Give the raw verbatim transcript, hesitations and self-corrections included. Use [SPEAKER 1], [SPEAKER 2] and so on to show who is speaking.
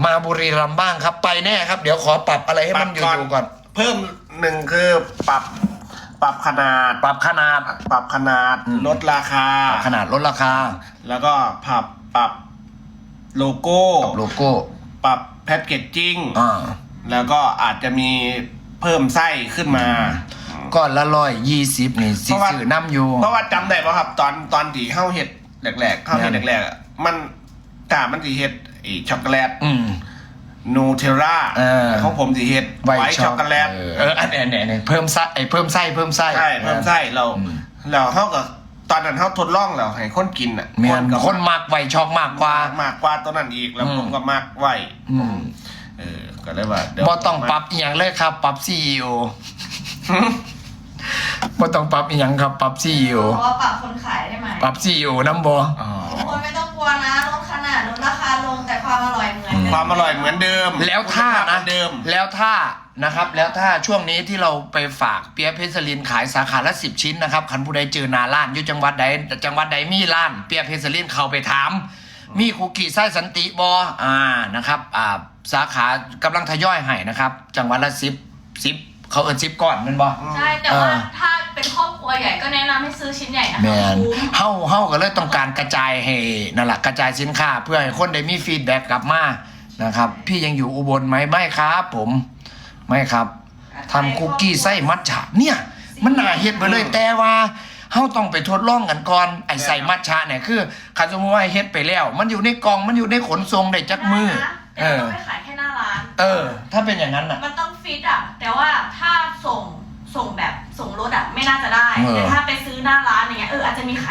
[SPEAKER 1] มาบุรีรัมย์บ้างครับ ไปแน่ครับ เดี๋ยวขอปรับอะไรให้มันอยู่ๆก่อน
[SPEAKER 2] เพิ่มหนึ่งคือปรับปรับขนาด
[SPEAKER 1] ปรับขนาด
[SPEAKER 2] ปรับขนาด
[SPEAKER 1] อืม
[SPEAKER 2] ลดราคา
[SPEAKER 1] ปรับขนาดลดราคา
[SPEAKER 2] แล้วก็ปรับปรับโลโก้
[SPEAKER 1] ปรับโลโก้
[SPEAKER 2] ปรับแพคเกจจิ้ง
[SPEAKER 1] อ่า
[SPEAKER 2] แล้วก็อาจจะมีเพิ่มไส้ขึ้นมา
[SPEAKER 1] ก้อนละร้อยยี่สิบนี่สิ
[SPEAKER 2] เพราะว่า
[SPEAKER 1] ซื้อน้ำอยู่
[SPEAKER 2] เพราะว่าจำได้ป่ะครับ ตอนตอนที่เข้าเห็ดแรกๆเข้าเห็ด
[SPEAKER 1] เนี่ย
[SPEAKER 2] แรกๆอะมันกามันสีเห็ดไอช็อกโกแลต
[SPEAKER 1] อืม
[SPEAKER 2] นูเทลล่า
[SPEAKER 1] เออ
[SPEAKER 2] ของผมสีเห็ด
[SPEAKER 1] ไว
[SPEAKER 2] ไวท์ช็อกโกแลต
[SPEAKER 1] เออเอออันเนี้ยเนี่ยเนี่ยเพิ่มไส้ไอ้เพิ่มไส้เพิ่มไส้
[SPEAKER 2] ใช่เพิ่มไส้เรา
[SPEAKER 1] อืม
[SPEAKER 2] เราเข้ากับตอนนั้นเข้าทดลองเราให้คนกินอ่ะ
[SPEAKER 1] เมียน
[SPEAKER 2] ก็
[SPEAKER 1] คนมากไวช็อกมากกว่า
[SPEAKER 2] มากกว่าตัวนั้นอีกแล้ว
[SPEAKER 1] อืม
[SPEAKER 2] ผมก็มากไหว
[SPEAKER 1] อืม
[SPEAKER 2] เออก็เลยว่าเดี๋ยว
[SPEAKER 1] บ่ต้องปรับอีหยังเลยครับ ปรับซีอีโอบ่ต้องปรับอีหยังครับ ปรับซีอีโอ
[SPEAKER 3] เพราะว่าปรับคนขายได้ไหม
[SPEAKER 1] ปรับซีอีโอน้ำบ่
[SPEAKER 2] อ๋อ
[SPEAKER 3] ทุกคนไม่ต้องกลัวนะลดขนาดลดราคาลงแต่ความอร่อยเหมือนเดิม
[SPEAKER 2] ความอร่อยเหมือนเดิม
[SPEAKER 1] แล้วถ้า
[SPEAKER 2] คุณภพเหมื
[SPEAKER 1] นะ
[SPEAKER 2] อนเดิม
[SPEAKER 1] แล้วถ้านะครับ แล้วถ้าช่วงนี้ที่เราไปฝากเปียะเพชรลินขายสาขาละสิบชิ้นนะครับคันผู้ใดเจอหนาล้านอยู่จังหวัดใดจังหวัดใดมีร้านเปียะเพชรลินเข้าไปถาม มีคุกกี้ไส้สันติบออ่านะครับอ่าสาขากำลังทยอยให้นะครับ จังหวัดละสิบสิบเขาเอินสิบก่อนแมันบอ
[SPEAKER 3] ใช่แต่ว่าถ้าเป็นครอบครัวใหญ่ก็แนะนำให้ซื้อชิ้นใหญ่นะคะ
[SPEAKER 1] แมน
[SPEAKER 3] คุ้ม
[SPEAKER 1] เฮาเฮาก็เลยต้องการกระจายให้นั่นแหละกระจายสินค้าเพื่อให้คนได้มีฟีดแบ็กกลับมานะครับ พี่ยังอยู่อุบลไหมไม่ครับผมไม่ครับทำคุกกี้ไส้มัทฉะเนี่ยมันน่าเฮ็ดไปเลยแต่ว่าเฮาต้องไปทดลองกันก่อนไอ้ใส่มัทฉะเนี่ยคือคันสมมติว่าเฮ็ดไปแล้ว มันอยู่ในกล่องมันอยู่ในขนส่งได้จักมือ
[SPEAKER 3] ได้นะ
[SPEAKER 1] เอ
[SPEAKER 3] แต่
[SPEAKER 1] อ
[SPEAKER 3] เราไม่ขายแค่หน้าร้าน
[SPEAKER 1] เออ ถ้าเป็นอย่างนั้นอ่ะ
[SPEAKER 3] มันต้องฟิตอ่ะ แต่ว่าถ้าส่งส่งแบบส่งรถอ่ะไม่น่าจะได้
[SPEAKER 1] เออ
[SPEAKER 3] แต่ถ้าไปซื้อหน้าร้านอย่างเงี้ยเอออาจจะมีขาย